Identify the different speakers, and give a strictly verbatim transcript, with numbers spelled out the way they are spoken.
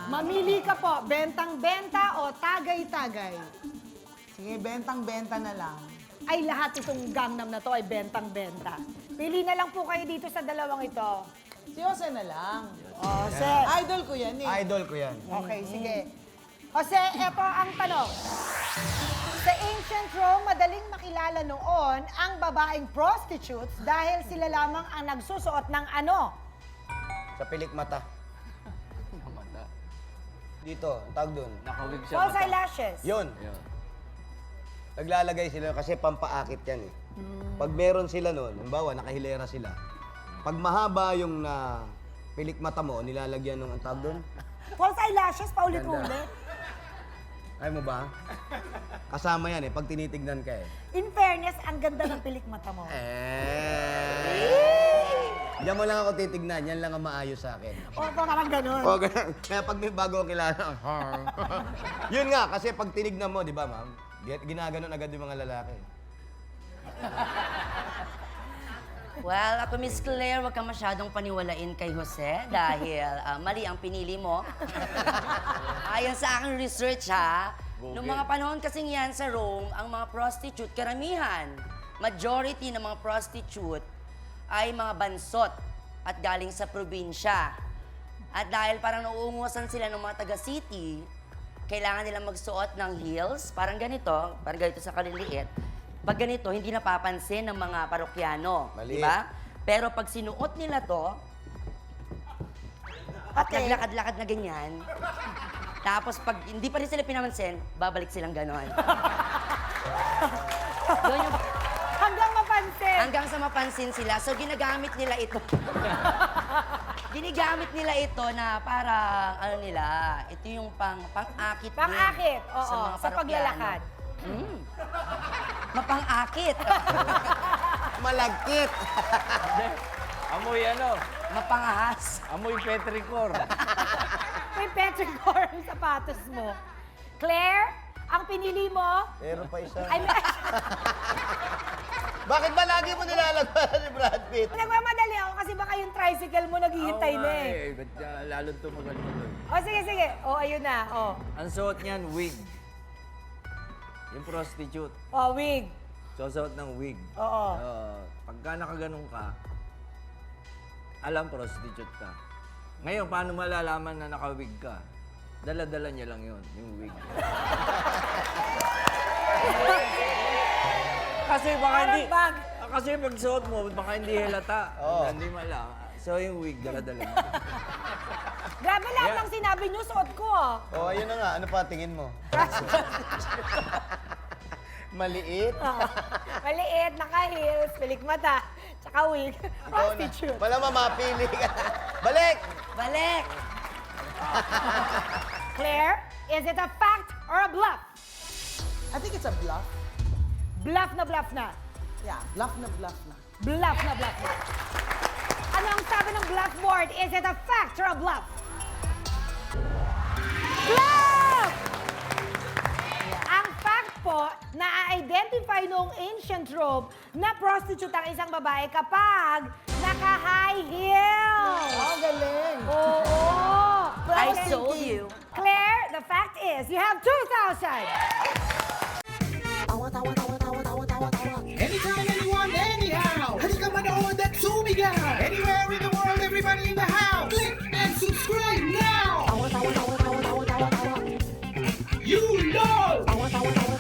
Speaker 1: Mamili ka po, bentang-benta o tagay-tagay?
Speaker 2: Sige, bentang-benta na lang.
Speaker 1: Ay, lahat itong Gangnam na to ay bentang-benta. Pili na lang po kayo dito sa dalawang ito.
Speaker 2: Si Jose na lang.
Speaker 1: Jose.
Speaker 2: Idol ko yan eh.
Speaker 3: Idol ko yan.
Speaker 1: Okay, sige. Jose, eto ang tanong. Sa ancient Rome, madaling makilala noon ang babaeng prostitutes dahil sila lamang ang nagsusuot ng ano?
Speaker 3: Sa pilik mata. Dito, ang tawag doon.
Speaker 4: Nakawig siya.
Speaker 1: False
Speaker 4: mata.
Speaker 1: eyelashes.
Speaker 3: Yun.
Speaker 4: Yun.
Speaker 3: Naglalagay sila kasi pampaakit yan eh. Pag meron sila noon, halimbawa nakahilera sila. Pag mahaba yung na pilik mata mo, nilalagyan ng ang tawag doon.
Speaker 1: False eyelashes, paulit-ulit.
Speaker 3: Ay mo ba? Kasama yan eh, pag tinitignan ka eh.
Speaker 1: In fairness, ang ganda ng pilik mata mo.
Speaker 3: Eh. Diyan mo lang ako titignan, yan lang ang maayos sa akin.
Speaker 1: O, parang ganun.
Speaker 3: O, ganun. Kaya pag may bago akong kilala, yun nga, kasi pag tinignan mo, di ba ma'am, ginaganon agad yung mga lalaki.
Speaker 5: Well, ako Miss Claire, wag ka masyadong paniwalain kay Jose dahil ah, mali ang pinili mo. Ayon sa aking research ha, noong mga panahon kasing yan sa Rome, ang mga prostitute, karamihan, majority ng mga prostitute ay mga bansot at galing sa probinsya. At dahil parang nauungusan sila ng mga taga-city, kailangan nila magsuot ng heels, parang ganito, parang ganito sa kaliliit. Pag ganito, hindi napapansin ng mga parokyano. Di
Speaker 3: Mali.
Speaker 5: ba? Pero pag sinuot nila to, at
Speaker 1: Okay.
Speaker 5: naglakad-lakad na ganyan, tapos pag hindi pa rin sila pinamansin, babalik silang ganon. Yun yung,
Speaker 1: Hanggang mapansin.
Speaker 5: hanggang sa mapansin sila. So, ginagamit nila ito. Ginigamit nila ito na parang, ano nila, ito yung pang, pang-akit din
Speaker 1: Pang-akit, oo,
Speaker 5: sa mga
Speaker 1: sa
Speaker 5: parokyano.
Speaker 1: paglalakad.
Speaker 5: Mm. Mapang-akit.
Speaker 3: Malagkit!
Speaker 4: Amoy ano?
Speaker 5: Mapangahas.
Speaker 4: Amoy petricor.
Speaker 1: May petrichor ang sapatos mo. Claire, ang pinili mo
Speaker 3: Meron pa isa.
Speaker 1: ay may...
Speaker 3: Bakit ba lagi mo nilalagpasan ni Brad Pitt?
Speaker 1: Nagmamadali ako kasi baka yung tricycle mo naghihintay
Speaker 4: Oo
Speaker 1: na
Speaker 4: nga
Speaker 1: eh.
Speaker 4: Ba't uh, lalong tumagal mo doon?
Speaker 1: O sige, sige. O, ayun na. O,
Speaker 4: Ang suot niyan, wig. Yung prostitute.
Speaker 1: o wig.
Speaker 4: Susuot ng wig.
Speaker 1: Oo.
Speaker 4: Uh, pagka nakaganon ka, alam prostitute ka. Ngayon, paano malalaman na nakawig ka? Dala-dala niya lang yun, yung wig. Kasi baka
Speaker 1: Parang
Speaker 4: hindi...
Speaker 1: bag.
Speaker 4: Kasi pag suot mo, baka hindi halata.
Speaker 3: Oo.
Speaker 4: Hindi malam. So yung wig, dala-dala niya.
Speaker 1: Grabe lahat ng sinabi niyo, suot ko ah.
Speaker 3: Oh, ayun na nga. Ano pa tingin mo? Maliit?
Speaker 1: Oo. Maliit, naka-heels, pilik mata, tsaka wig.
Speaker 3: Ikaw na.
Speaker 1: Prostitute.
Speaker 3: Wala mamapili ka. Balik!
Speaker 5: Balik!
Speaker 1: Claire, is it a fact or a bluff?
Speaker 2: I think it's a bluff.
Speaker 1: Bluff na bluff na.
Speaker 2: Yeah, bluff na bluff na.
Speaker 1: Bluff na bluff na. Ano ang sabi ng blackboard? Is it a fact or a bluff? Bluff! Ang fact po, na-identify noong ancient Rome na prostitute ang isang babae kapag naka-high heels.
Speaker 2: Oh, galing.
Speaker 1: Oo.
Speaker 5: I
Speaker 1: Claire-
Speaker 5: told you.
Speaker 1: Claire, the fact is, you have two thousand.
Speaker 6: Anytime, anyone, anyhow. Halika manood at sumigaw. Anywhere in the world, everybody in the house. Click and subscribe now. You know.